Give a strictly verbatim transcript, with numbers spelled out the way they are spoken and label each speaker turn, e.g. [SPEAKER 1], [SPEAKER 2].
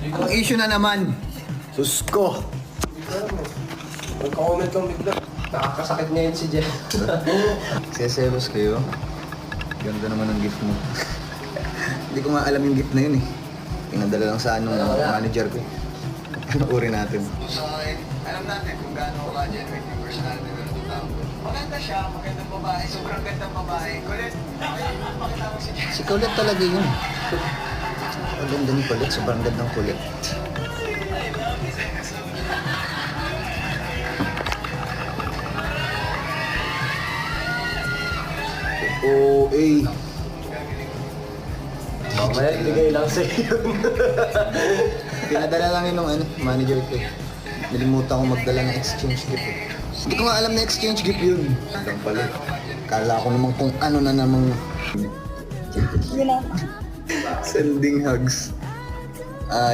[SPEAKER 1] Ang issue na naman. Sus ko.
[SPEAKER 2] Nagka-comment lang bigla. Nakakasakit ngayon si Jen.
[SPEAKER 1] Seselos kayo. Ganda naman ng gift mo. Hindi ko nga alam yung gift na yun eh. Pinadala lang sa anong manager ko. Ano uri natin? So, alam natin kung gaano ka genuine yung personality ng itong tao. Maganda siya, magandang babae, sobrang gandang babae. Kulit. Si Kulit talaga yun. Ang ganda ni Kulit, sobrang gandang kulit. O A.
[SPEAKER 2] Mamaya ibigay lang sa iyo.
[SPEAKER 1] Pinadala lang yun ng ano, manager ko. Nalimutan ko magdala ng exchange gift eh. Hindi ko nga alam na exchange gift yun. Lang pala. Kala ko naman kung ano na namang... Sending hugs.